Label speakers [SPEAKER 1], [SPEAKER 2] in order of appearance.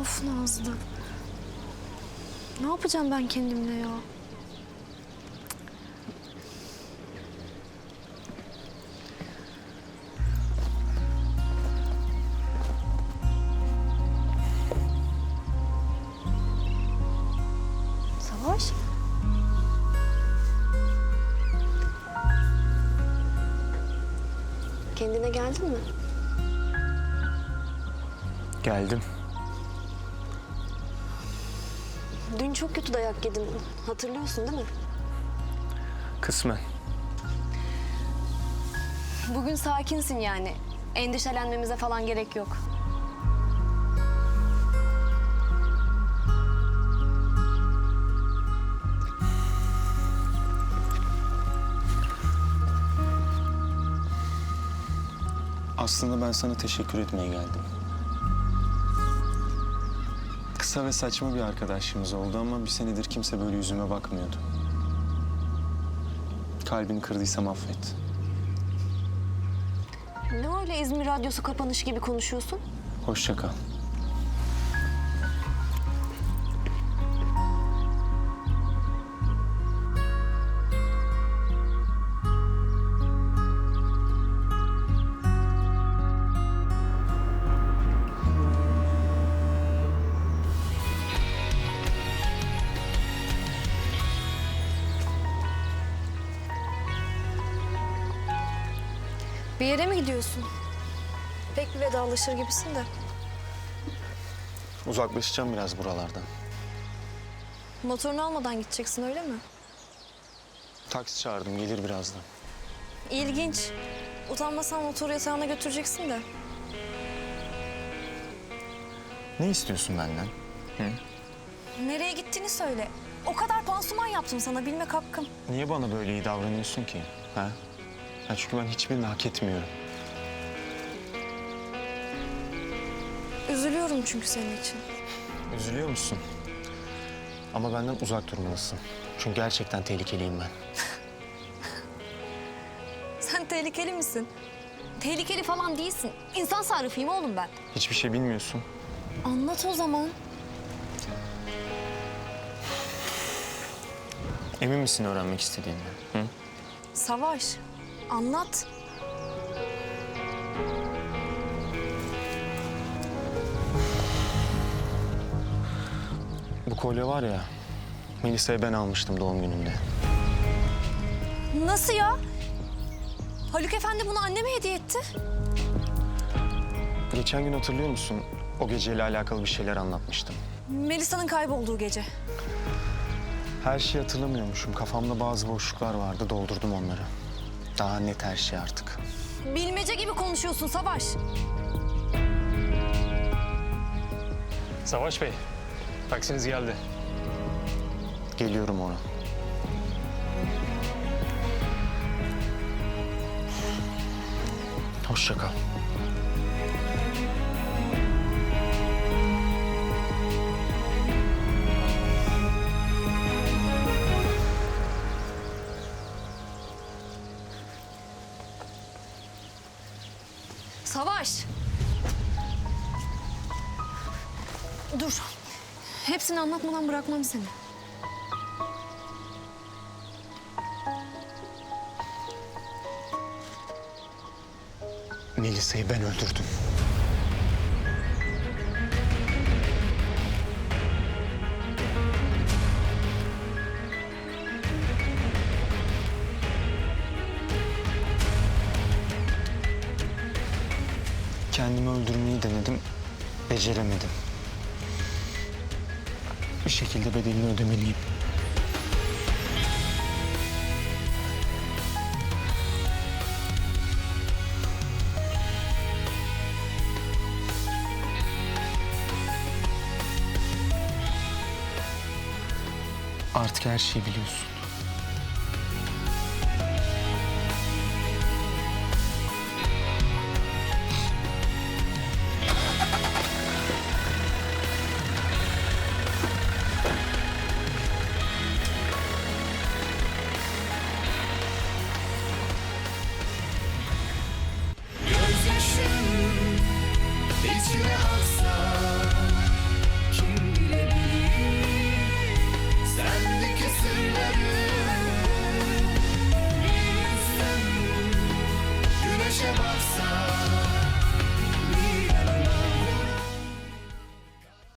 [SPEAKER 1] Of Nazlı. Ne yapacağım ben kendimle ya? Savaş? Kendine geldin mi?
[SPEAKER 2] Geldim.
[SPEAKER 1] Dün çok kötü dayak yedin. Hatırlıyorsun değil mi?
[SPEAKER 2] Kısmen.
[SPEAKER 1] Bugün sakinsin yani. Endişelenmemize falan gerek yok.
[SPEAKER 2] Aslında ben sana teşekkür etmeye geldim. Kısa ve saçma bir arkadaşlığımız oldu ama bir senedir kimse böyle yüzüme bakmıyordu. Kalbini kırdıysam affet.
[SPEAKER 1] Ne öyle İzmir Radyosu kapanışı gibi konuşuyorsun?
[SPEAKER 2] Hoşça kal.
[SPEAKER 1] Bir yere mi gidiyorsun? Pek bir vedalaşır gibisin de.
[SPEAKER 2] Uzaklaşacağım biraz buralardan.
[SPEAKER 1] Motorunu almadan gideceksin öyle mi?
[SPEAKER 2] Taksi çağırdım, gelir birazdan.
[SPEAKER 1] İlginç. Utanmasan motoru yatağına götüreceksin de.
[SPEAKER 2] Ne istiyorsun benden?
[SPEAKER 1] Nereye gittiğini söyle. O kadar pansuman yaptım sana, bilmek hakkım.
[SPEAKER 2] Niye bana böyle iyi davranıyorsun ki? Ha? Çünkü ben hiçbirini hak etmiyorum.
[SPEAKER 1] Üzülüyorum çünkü senin için.
[SPEAKER 2] Üzülüyor musun? Ama benden uzak durmalısın. Çünkü gerçekten tehlikeliyim ben.
[SPEAKER 1] Sen tehlikeli misin? Tehlikeli falan değilsin. İnsan sarrafıyım oğlum ben.
[SPEAKER 2] Hiçbir şey bilmiyorsun.
[SPEAKER 1] Anlat o zaman.
[SPEAKER 2] Emin misin öğrenmek istediğinden? Hı?
[SPEAKER 1] Savaş, anlat.
[SPEAKER 2] Bu kolye var ya, Melisa'ya ben almıştım doğum gününde.
[SPEAKER 1] Nasıl ya? Haluk Efendi bunu anneme hediye etti.
[SPEAKER 2] Geçen gün hatırlıyor musun? O geceyle alakalı bir şeyler anlatmıştım.
[SPEAKER 1] Melisa'nın kaybolduğu gece.
[SPEAKER 2] Her şeyi hatırlamıyormuşum. Kafamda bazı boşluklar vardı, doldurdum onları. Daha net her şey artık.
[SPEAKER 1] Bilmece gibi konuşuyorsun Savaş.
[SPEAKER 3] Savaş Bey, taksiniz geldi.
[SPEAKER 2] Geliyorum ona. Hoşça kal.
[SPEAKER 1] Savaş. Dur. Hepsini anlatmadan bırakmam seni.
[SPEAKER 2] Melisa'yı ben öldürdüm. Kendimi öldürmeyi denedim, beceremedim. Bir şekilde bedelini ödemeliyim. Artık her şeyi biliyorsun.